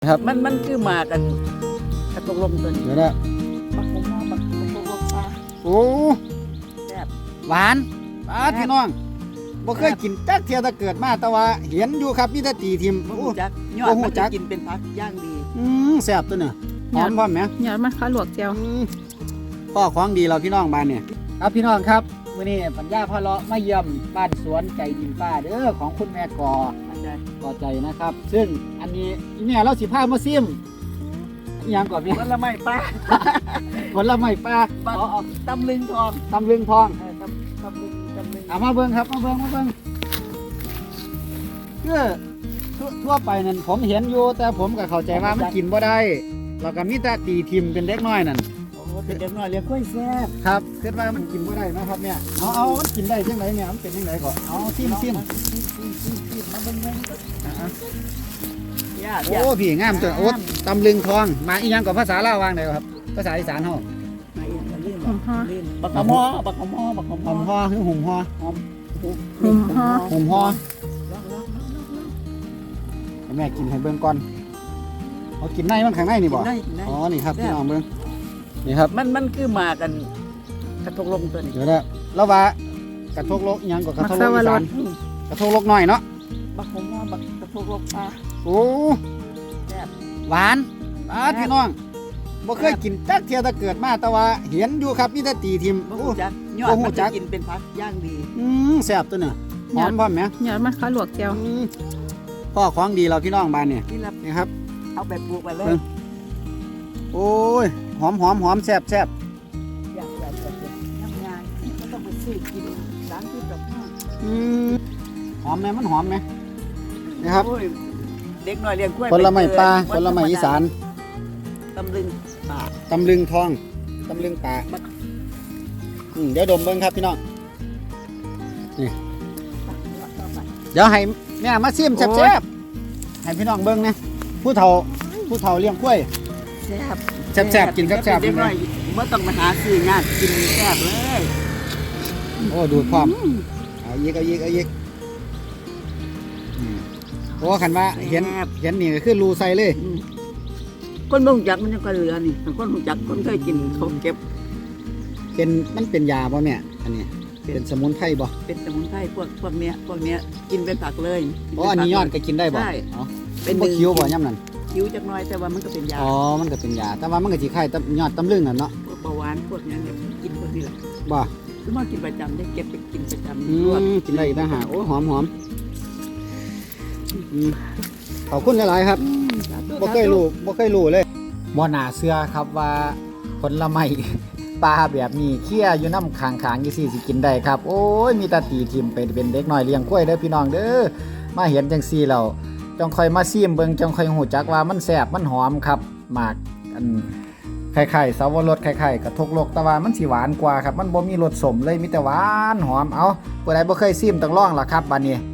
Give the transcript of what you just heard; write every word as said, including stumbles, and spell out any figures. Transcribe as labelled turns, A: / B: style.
A: ครับ
B: มันมันคือมากันกระตกลมตัวนี้
A: เดี๋ยวนะ
B: บักผมว่าบักกระตกลมปลา
A: โอ้
B: แซ่บ
A: หวานปลาพี่น้องบ่เคยกินจักเทียแต่เกิดมาแต่ว่าเห็นอยู่ครับมีแต่ตีทิม
B: บ่
A: โอ้
B: ฮู้จักยอ
A: บ่
B: ด
A: ฮู้
B: มัน
A: จั
B: จะ
A: ก
B: กินเป็นผักย่างดี
A: อืมแซ่บตัวเนี่ยหอมพร้อมไหม
C: ยอดมันข้าวหลวกเจียว
A: อืมพ่อของดีเราพี่น้องบ้านเนี่ยครับพี่น้องครับมื้อนี้ปัญญาพ่อเลาะมาเยี่ยมบ้านสวนใจดินป้าเด้อของคุณแม่กอ
B: เข้าใจ
A: กอใจนะครับ ซึ่งอันนี้อีแม่เราสิพามาซิมอหยังก่อนพี่
B: ผลไม้ปลา
A: ผลไม้ปลา
B: บัก
A: อ๋อ
B: ตำลึงทอง
A: ตำลึงทอง
B: เออตำตำลึงตำลึง
A: เอามาเบิ่งครับมาเบิ่งมาเบิ่งคือทั่วทั่วไปนั่นผมเห็นอยู่แต่ผมก็เข้าใจว่ามันกินบ่ได้แล้วก็มีแต่ตีทิมเป็นเด็กน้อยนั่น
B: โอ้เป็นเด็กน้อยเลี้ยงกล้วยแซ่บ
A: ครับคิดว่ามันกินบ่ได้นะครับเนี่ยเอาเอามันกินได้จังไดเนี่ยมันเป็นจังไดก่อนเอาซิมซิม
B: ซิมซิมซิมมาเบิ่งเบิ่ง
A: อ่ะ
B: ญาติ
A: โอ้พี่งามจังโอ้ตำลึงทองมาอีหยังกับภาษาลาววางได้ครับภาษาอีสานเฮา
B: มาอีกมาลื่นลื่นบักขมอบักขมอบักขม
A: ห
B: อ
A: อมฮอคือหุ่มฮอ
B: หอม
C: หุ่มฮอ
A: หุ่มฮอ
B: ลองลองลองลองลอง
A: ให้แม่กินให้เบิ่งก่อนเอากินในมันข้างในนี่บ่
B: กินได้กินได้
A: อ๋อนี่ครับพี่น้องเบิ่งนี่ครับ
B: มันมันคือมากันกระตกลมตัวนี้
A: เดี๋ยวนะแล้วว่ากระทกโลกอิหยังก็กระทกโลกอีสาน
B: อืม
A: กระทกโลกน้อยเนาะ
B: บักผมว่าบักกระตกลมปลา
A: โอ้
B: แซ่บ
A: หวานปลาพี่น้องบ่เคยกินจักเทียแต่เกิดมาแต่ว่าเห็นอยู่ครับมีแต่ตีทิม
B: บ่
A: โอ้
B: ฮู้จักยอ
A: บ่
B: ด
A: ฮู้
B: มัน
A: จั
B: จะ
A: ก
B: กินเป็นผักย่างดี
A: อืมแซ่บตัวเนี่ยหอมพร้อมไหม
C: ยอดมันข้าวหลวกเจียว
A: อืมพ่อของดีเราพี่น้องบ้านเนี่ย
B: นี่ละ
A: นี่ครับ
B: เอาไปปลูกไปเล
A: เบิ่
B: ย
A: ง โอ้ยหอมหอมหอมแซ่บแซ่บ
B: อยากอยากอยากอยากทำงานก็ต้องไปซื้อกินร้านที่แบบนั้น
A: อืมหอมไหมมันหอมไหมนี่ครับ
B: โอ้ยเด็กน้อยเลี้ยงกล้วย
A: ผลไม้ปลา
B: ป
A: ผลไม้อีสาน
B: ตำลึงป่า
A: ตำลึงทองตำลึงป่าอืมเดี๋ยวดมเบิ้งครับพี่น้องนี่เดี๋ยวให้แม่มาซิมแซ่บๆให้พี่น้องเบิ้งนะผู้เฒ่าผู้เฒ่าเลี้ยงกล้วย
B: แซ่บ
A: แซ่บๆกินแซ่บๆ
B: เด็กน้อยเมื่อต้องมาหาซื้องานกินแซ่บเลย
A: โอ้ดูดพร้อมเอาอีกเอาอีกเอาอีกอืมโอ้ขันว่าเห็นเห็นนี่ก็คือรูใส่เลย
B: อืมคนบ่รู้จักมันยังก็เหลือนี่คนรู้จักคนเคยกินเขาเก็บ
A: เป็นมันเป็นยาบ่แม่อันนี้เป็นสมุนไพรบ่
B: เป็นสมุนไพรพวกพวกเนี้ยพวกเนี้ยกินเป็นผักเลย
A: อ๋ออันนี้ยอดก็กินได้บ่
B: ใช่
A: อ๋อเป็นบ่คิ้วบ่ย่ำนั่น
B: คิ้วจักหน้อยแต่ว่ามันก็เป็นยา
A: อ๋อมันก็เป็นยาแต่ว่ามันก็สิคล้ายตำยอดตำลึงนั่นเนาะ
B: พวกเบาหวานพวกนี้เนี่ยกินพวกนี้แหละ
A: บ่
B: คือมากินประจำได้เก็บไปกินประจำ
A: อื
B: รวด
A: มกินได้อีกต่างหากโอ้หอมหอมอืมขอบคุณหลายๆครับ
B: อืมสาธุ
A: บ่เคยรู้บ่เคยรู้เลยบ่น่าเชื่อครับว่าผลไม้ ปลาแบบนี้เคี่ยอยู่น้ำขางๆยี่สี่สิกินได้ครับโอ้ยมีแตาตีทิมเป็นเป็นเด็กน้อยเลี้ยงกล้วยเด้อพี่น้องเด้อมาเห็นจังซี่แล้วจงค่อยมาซิมเบิ่งจงค่อยหูจักว่ามันแซ่บมันหอมครับหมากอันไข่ๆสาวรสไข่ๆกระทกโลกแต่ว่ามันสิหวานกว่าครับมันบ่มีรสสมเลยมีแต่หวานหอมเอาผู้ใดบ่เคยซิมต้องลองล่ะครับบัดนี้